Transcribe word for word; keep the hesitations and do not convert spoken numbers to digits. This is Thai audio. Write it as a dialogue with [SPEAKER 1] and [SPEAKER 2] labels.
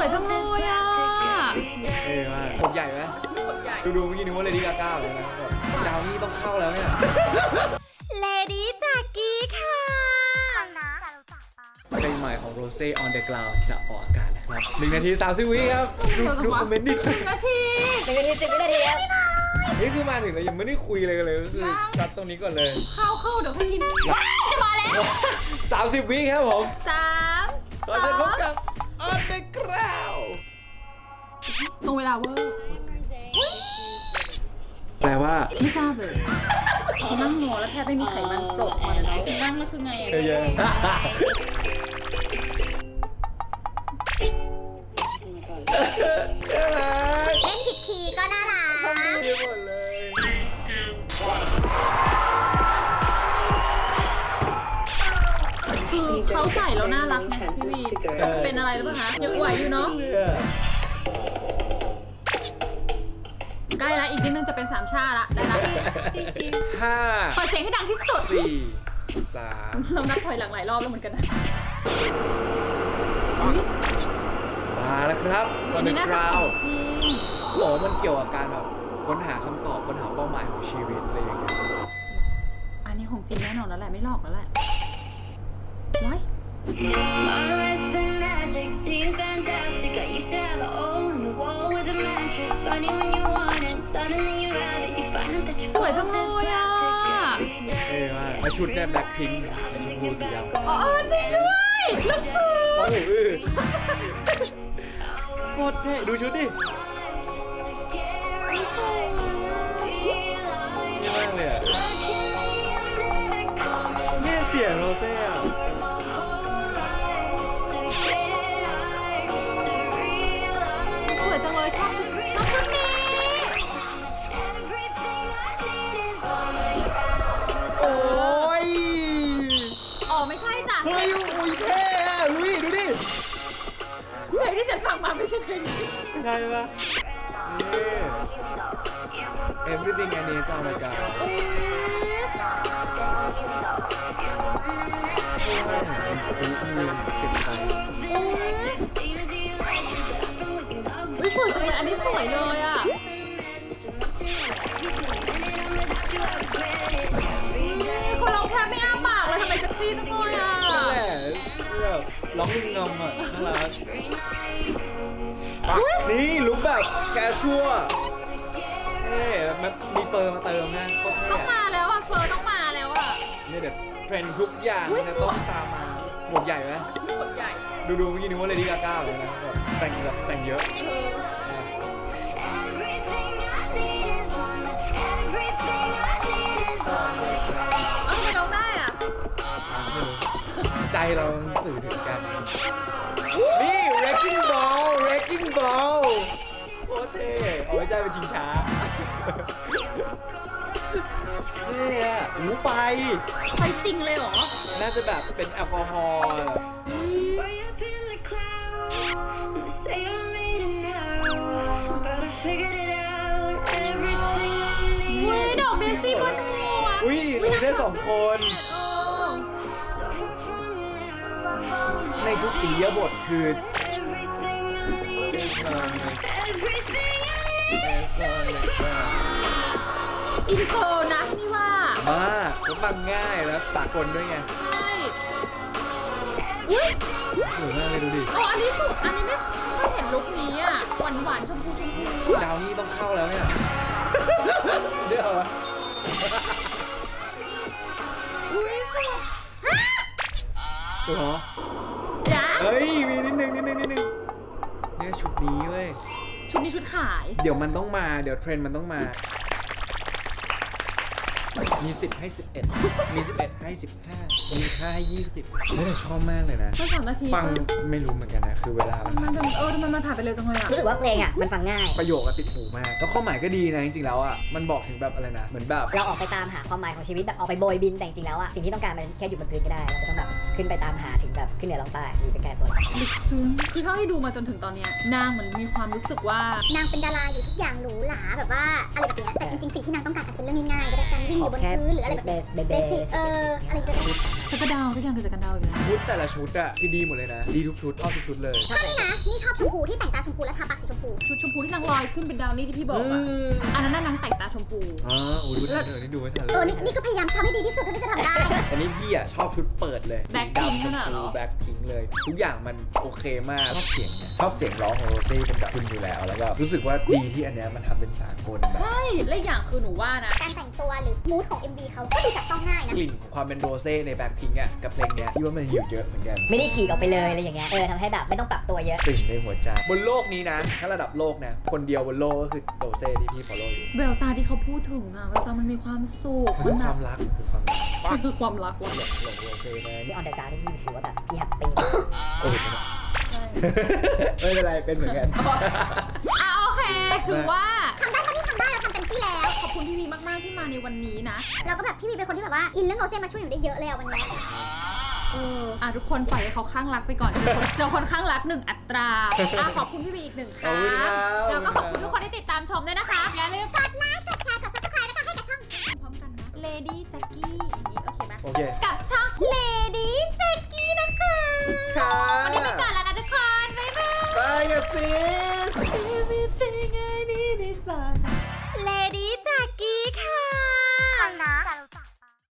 [SPEAKER 1] วยจังเลยอ่ะ
[SPEAKER 2] เอ้ยมาผมใหญ่ไหมดูดูเมื่อกี้นึกว่าเลดี้กาก้าเลยนะดาวนี่ต้องเข้าแล้วเนี่ย
[SPEAKER 1] เลดี้จากกี้ค่ะ
[SPEAKER 2] เพลงใหม่ของ Rose on the Ground จะออกอากาศนะครับหนึ่งนาทีสามสิบวิครับดูดูคอมเมนต์นิด
[SPEAKER 1] หนึ่งนาที
[SPEAKER 3] หนึ่งนาทีสิบวินาทีครับ
[SPEAKER 2] นี่คือมาถึงแล้วยังไม่ได้คุยเลยกันเลยก็คือจัดตรงนี้ก่อนเลย
[SPEAKER 1] เข้าเข้าเดี๋ยวค่อยกินจะมาแล้ว
[SPEAKER 2] สามสิบวิครับผม
[SPEAKER 1] สาม
[SPEAKER 2] ก็จะพบกับ on the ground
[SPEAKER 1] ตรงเวลาเวอร์
[SPEAKER 2] แปลว่า
[SPEAKER 1] ไม่ทราบเลยนั่งงอแล้วแทบไม่มีไขมันโปรดมาเลยนั่งแล้วคือไงอ่ะ
[SPEAKER 2] เยอะๆ
[SPEAKER 3] เล่นผิดคีย์ก็น่ารัก
[SPEAKER 2] ดีหมดเลย
[SPEAKER 1] คือเขาใส่แล้วน่ารักนะพี่วีเป็นอะไรหรือเปล่าคะยังไหวอยู่เนาะใกล้ละอีกนิดนึงจะเป็นสามชาละได้ละ
[SPEAKER 2] ห้า
[SPEAKER 1] เปิดเสียงให้ดังที่สุด
[SPEAKER 2] สี่สาม
[SPEAKER 1] เรานับถอยหลังหลายรอบแล้วเหมือนกันนะ
[SPEAKER 2] มาแล้วครับ
[SPEAKER 1] อัน
[SPEAKER 2] on
[SPEAKER 1] นี้
[SPEAKER 2] the
[SPEAKER 1] น่าจะ
[SPEAKER 2] ground
[SPEAKER 1] จริง
[SPEAKER 2] หรอมันเกี่ยวกับการแบบค้นหาคำตอบค้นหาเป้าหมายของชีวิตอะไรอย่างเงี้ย
[SPEAKER 1] อันนี้ของจริงแน่นอนแล้วแหละไม่หลอกแล้วแหละว้าย
[SPEAKER 4] My life's been magic, seems fantastic. I used to have a hole in the wall with a mattress. Funny when you want it, suddenly you have it. You find out that your
[SPEAKER 1] สวยจัง
[SPEAKER 4] clothes
[SPEAKER 1] เล
[SPEAKER 4] is
[SPEAKER 1] ยอ่ะ
[SPEAKER 4] plastic.
[SPEAKER 2] เอ้ยมาแล้วชุดเนี่ยแบล็คพิงค์เป็นชมพูสีดำ
[SPEAKER 1] อ๋อเออจริงด้วยลูกฟู
[SPEAKER 2] โอ้โหเออโคตรเท่ดูชุดดิ
[SPEAKER 4] Just to get realized, to be
[SPEAKER 2] เท่
[SPEAKER 4] alive.
[SPEAKER 2] มากเลยอะ
[SPEAKER 4] Look at me, I'm living coming
[SPEAKER 2] เนี่ยเสียงโรเซ่อะ
[SPEAKER 4] my whole life. Just to get high, just to realize.
[SPEAKER 1] สวยจังเลยชอบชุดชอบชุดนี้
[SPEAKER 4] Everything I need is on the ground.
[SPEAKER 2] โอ้ย
[SPEAKER 1] อ๋อไม่ใช่จ้ะ
[SPEAKER 2] เฮ้ยอุ้ยเท่อะอุ้ยดูดิ
[SPEAKER 1] เพลงที่ฉันฟังมาไม่ใช่เพลงนี้
[SPEAKER 2] ได้ปะนี่ everything I need is on the ground
[SPEAKER 1] เอ๊ะ
[SPEAKER 4] It's been hectic, seems electric, but I've been waking up
[SPEAKER 1] อุ๊ยสวยจังเลยอันนี้สวยเลยอ่ะ
[SPEAKER 4] It's a message, I'm up to every single minute I'm without you, I regret it. Every
[SPEAKER 1] นี่
[SPEAKER 4] day.
[SPEAKER 1] คนร้องแทบไม่อ้าปากเลยทำไมเซ็กซี่จังเลยอ่ะ
[SPEAKER 2] นั่นแหละแบบร้องงงงอ่ะน่ารัก
[SPEAKER 4] Every night.
[SPEAKER 2] นี่ลุคแบบแคชชัวเอ๊ะมันมีเติมมาเติมนะโคตร
[SPEAKER 1] ต้
[SPEAKER 2] เท่
[SPEAKER 1] องมาแล้วอ่ะเฟอร์ต้องมาแล้วอ่ะ
[SPEAKER 2] เนี่ยเดี๋ยวเทรนด์ทุกอย่างจะต้องตามมาหมวกใหญ่ไหม
[SPEAKER 1] ขนใหญ่
[SPEAKER 2] ดูดูเมื่อกี้นึกว่าเลดี้กาก้าเลยนะแบบแต่งแบบแต่งเยอะ
[SPEAKER 4] Everything I need is on the, everything I need is on the ground.
[SPEAKER 1] เอ้าทำไมร้องได้อ่ะ
[SPEAKER 2] ใจเราสื่อถึงกัน นี่ wrecking ball wrecking ball โคตรเท่เอาไว้ใจเป็นชิงช้านี่อ่ะหูไฟ
[SPEAKER 1] ไปจริงเลยเหรอ
[SPEAKER 2] น่าจะแบบเป็นแอลกอฮอล์
[SPEAKER 4] Way up in the clouds, and they say I made it now, but I figured it out. Everything I
[SPEAKER 1] เว้ย
[SPEAKER 4] need
[SPEAKER 1] ดอกเดซี่บนหัว
[SPEAKER 2] อุ้ยเราได้สองคน
[SPEAKER 1] เออ
[SPEAKER 4] is so far from you now.
[SPEAKER 2] ในทุกอิริยาบถคือ
[SPEAKER 4] Everything I need is on the, everything I need is on the ground.
[SPEAKER 1] อินโทรนะนี่ว่า
[SPEAKER 2] มากแล้วฟังง่ายแล้วสากลด้วยไง
[SPEAKER 1] ใช่อุ้ย
[SPEAKER 2] สวยมากเลยดูดิ
[SPEAKER 1] โอ้อันนี้สุดอันนี้ไม่ไม่เห็นลุคนี้อ่ะหวานหวานๆชมพูชมพู
[SPEAKER 2] ดาวนี่ต้องเข้าแล้วเนี่ยเดี๋ยวอะ
[SPEAKER 1] อุ้ยสวยฮะ
[SPEAKER 2] ตัวเหรอ
[SPEAKER 1] ยัง
[SPEAKER 2] เฮ้ย มีนิดนึงนิดนึงนิดนึงเนี่ยชุดนี้เว้ย
[SPEAKER 1] ชุดนี้ชุดขาย
[SPEAKER 2] เดี๋ยวมันต้องมา เดี๋ยวเทรนด์มันต้องมา มีสิบให้สิบเอ็ดมีสิบเอ็ดให้สิบห้ามีค่าให้ยี่สิบเฮ้ยแต่ชอบมากเลยนะ
[SPEAKER 1] แค่สามนาที
[SPEAKER 2] ฟังไม่รู้เหมือนกันนะ คือเวลามัน
[SPEAKER 1] มันเป็นเออทำไมมันถ่ายไปเร็วจังเลยอ่ะ
[SPEAKER 3] รู้สึกว่าเพลงอ่ะมันฟังง่าย
[SPEAKER 2] ประโยคอะติดหูมาก แล้วข้อหมายก็ดีนะ จริงๆแล้วอะมันบอกถึงแบบอะไรนะ เหมือนแบบ
[SPEAKER 3] เราออกไปตามหาความหมายของชีวิตแบบออกไปโบยบินแต่จริงๆแล้วอ่ะสิ่งที่ต้องการมันแค่อยู่บนพื้นก็ได้เราไม่ต้องแบบขึ้นไปตามหาถึงแบบขึ้นเหนือลงใต้อยู่ใกล้ๆตัวเรา
[SPEAKER 1] ลึกซึ้งคือเท่าที่ดูมาจนถึงตอนเนี้ยนางเหมือนมีความรู้สึกว่า
[SPEAKER 5] นางเป็นดาราอยู่ทุกอย่างหรูหราแบบว่าอะไรแบบเนี้ยแต่จริงๆสิ่งที่นางต้องการอาจจะเป็นเรื่องง่ายๆก็ได้การวิ่งอยู่บนพื้นหรืออะไรแบบ
[SPEAKER 3] เบ
[SPEAKER 5] เบ
[SPEAKER 3] เบ
[SPEAKER 5] สิกเอออะไรก็ได้
[SPEAKER 3] ชีวิตสามัญ
[SPEAKER 1] จะกระดาวทุกอย่างคือจะกระดาวอยู่แล้ว
[SPEAKER 2] ชุดแต่ละชุดอะคือดีหมดเลยนะ ดีทุกชุดชอบทุกชุดเลย
[SPEAKER 5] ชอบนี่นะ นี่ชอบชมพูที่แต่งตาชมพูและทาปากสีชมพู
[SPEAKER 1] ชุดชมพูที่นางลอยขึ้นเป็นดาวนี่ที่พี่บอกอ่ะ
[SPEAKER 2] ม
[SPEAKER 1] อันนั้นน่ะนางแต่งตาชมพู
[SPEAKER 2] อ๋อโอ้ดูทันเลยนี่ดูไม่ทันเล
[SPEAKER 5] เออย นี่นี่ก็พยายามทำให้ดีที่สุดเท่าที่จะทำได้
[SPEAKER 2] อันนี้พี่อะชอบชุดเปิดเลย
[SPEAKER 1] แบล็คพิงค์ขนาดเหรอ
[SPEAKER 2] แบล็คพิงค์เลย ทุกอย่างมันโอเคมาก ชอบเสียงเนี่ยชอบเสียงร้องของโรเซ่เป็นแบบคุณอยู่แล้ว แล้วก็รู้สึกว่าดีที่อันเนี้ยมันทำเป็นสากลแบบ
[SPEAKER 1] ใช่และอีกอย่างคือหนูว่านะ
[SPEAKER 5] การแต่งตัวหรือมูดของ เอ็ม วี เขาก็ดูจับต้องง่ายนะ
[SPEAKER 2] กลิ่นของความเป็นโรเซ่ในแบล็คพิงค์อะกับเพลงเนี้ยพี่ว่ามันหิวเยอะเหมือนกัน
[SPEAKER 3] ไม่ได้ฉีกออกไปเลยอะไรอย่างเงี้ยเออทำให้แบบไม่ต้องปรับตัวเยอะ
[SPEAKER 2] ติ่งในหัวใจบนโลกนี้นะ ถ้าระดับโลกนะ คนเดียวบนโลกก็คือโรเซ่ที่พี่ follow อยู่
[SPEAKER 1] แววตาที่เขาพูดถึงอ่ะแววตามันมีความสุข
[SPEAKER 2] มันคือความรักมันคือความรัก
[SPEAKER 1] มันคือความรักว่ะ
[SPEAKER 2] หลงหลงโรเซ่แม่
[SPEAKER 3] ที่
[SPEAKER 2] นี่
[SPEAKER 3] ออนเดอร์กราวด์ที่พี่ถือว่าแบบพี่แฮปปี้
[SPEAKER 2] โอ้ย
[SPEAKER 1] ใช่
[SPEAKER 2] ไม่เป็นไรเป็นเหมือนกัน
[SPEAKER 1] อ่ะโอเคถือว่า
[SPEAKER 5] ทำได้เท่าที่ทำได้เราทำเต็มที่แล้ว
[SPEAKER 1] ขอบคุณพี่วีมากๆที่มาในวันนี้นะ
[SPEAKER 5] เราก็แบบพี่วีเป็นคนที่แบบว่าอินเรื่องโรเซ่มาช่วยอยู่ได้เยอะเลยอะวันเนี้ย
[SPEAKER 1] เอออ่ะทุกคนปล่อยให้เขาข้างรักไปก่อน เจอคนเจอคนข้างรักหนึ่งอัตราอ่ะขอบคุณพี่วีอีกหนึ่งค
[SPEAKER 2] ขอบ
[SPEAKER 1] รั้ง
[SPEAKER 2] คุณครับ
[SPEAKER 1] แล้วก็ขอบคุณทุกคนที่ติดตามชมด้วยนะคะ อย่าลืม
[SPEAKER 5] กดไลค์ กดแชร์ กด ซับสไครบ์ แล้วก็ให้กับช่อง
[SPEAKER 1] พร้อมกันนะ Lady Jackie อย่างนี้โอเคไหม
[SPEAKER 2] โอเค
[SPEAKER 1] กับช่อง Lady Jackie นะคะ
[SPEAKER 2] ค่ะ
[SPEAKER 1] วันนี้ไปก่อนแล้วนะทุกคน บ๊ายบาย
[SPEAKER 2] ไปกันซิส Everything I need is